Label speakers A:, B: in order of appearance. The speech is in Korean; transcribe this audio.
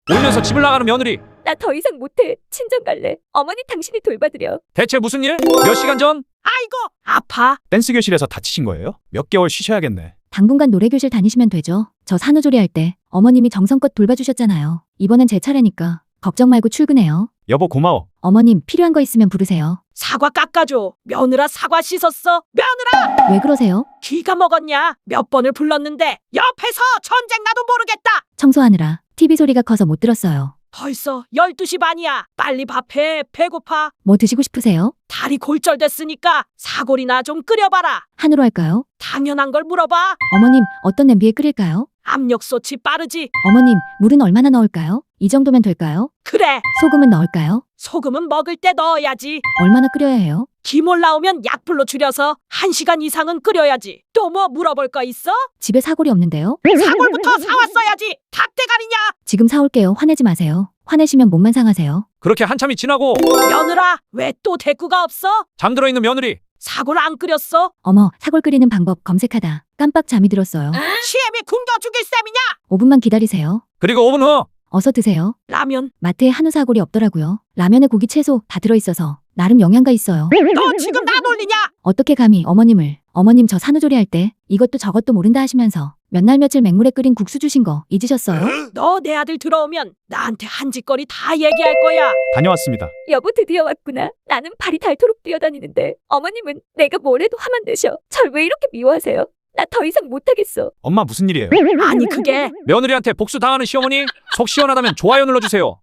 A: 울면서 집을 나가는 며느리.
B: 나 더 이상 못해. 친정 갈래. 어머니 당신이 돌봐드려.
A: 대체 무슨 일? 몇 시간 전?
C: 아이고 아파.
D: 댄스 교실에서 다치신 거예요? 몇 개월 쉬셔야겠네.
E: 당분간 노래교실 다니시면 되죠. 저 산후조리 할 때 어머님이 정성껏 돌봐주셨잖아요. 이번엔 제 차례니까 걱정 말고 출근해요.
D: 여보 고마워.
E: 어머님 필요한 거 있으면 부르세요.
C: 사과 깎아줘. 며느라 사과 씻었어. 며느라
E: 왜 그러세요?
C: 기가 먹었냐. 몇 번을 불렀는데 옆에서 전쟁 나도 모르겠다.
E: 청소하느라 TV 소리가 커서 못 들었어요.
C: 벌써 12시 반이야. 빨리 밥해. 배고파.
E: 뭐 드시고 싶으세요?
C: 다리 골절됐으니까 사골이나 좀 끓여봐라.
E: 한우로 할까요?
C: 당연한 걸 물어봐.
E: 어머님 어떤 냄비에 끓일까요?
C: 압력솥이 빠르지.
E: 어머님 물은 얼마나 넣을까요? 이 정도면 될까요?
C: 그래.
E: 소금은 넣을까요?
C: 소금은 먹을 때 넣어야지.
E: 얼마나 끓여야 해요?
C: 김 올라오면 약불로 줄여서 1시간 이상은 끓여야지. 또 뭐 물어볼 거 있어?
E: 집에 사골이 없는데요?
C: 사골부터 사왔어야지. 닭대가리냐?
E: 지금 사올게요. 화내지 마세요. 화내시면 몸만 상하세요.
A: 그렇게 한참이 지나고
C: 며느라 왜 또 대꾸가 없어?
A: 잠들어 있는 며느리.
C: 사골 안 끓였어?
E: 어머 사골 끓이는 방법 검색하다 깜빡 잠이 들었어요.
C: 시엠이 굶겨 죽일 셈이냐?
E: 5분만 기다리세요.
A: 그리고 5분 후.
E: 어서 드세요.
C: 라면.
E: 마트에 한우 사골이 없더라고요. 라면에 고기 채소 다 들어있어서 나름 영양가 있어요.
C: 너 지금 나 놀리냐?
E: 어떻게 감히 어머님을. 어머님 저 산후조리 할 때 이것도 저것도 모른다 하시면서 몇 날 며칠 맹물에 끓인 국수 주신 거 잊으셨어요?
C: 너 내 아들 들어오면 나한테 한 짓거리 다 얘기할 거야.
D: 다녀왔습니다.
B: 여보 드디어 왔구나. 나는 발이 닳도록 뛰어다니는데 어머님은 내가 뭘 해도 하면 되셔. 절 왜 이렇게 미워하세요? 나 더 이상 못하겠어.
D: 엄마 무슨 일이에요?
C: 아니 그게
A: 며느리한테 복수 당하는 시어머니. 속 시원하다면 좋아요 눌러주세요.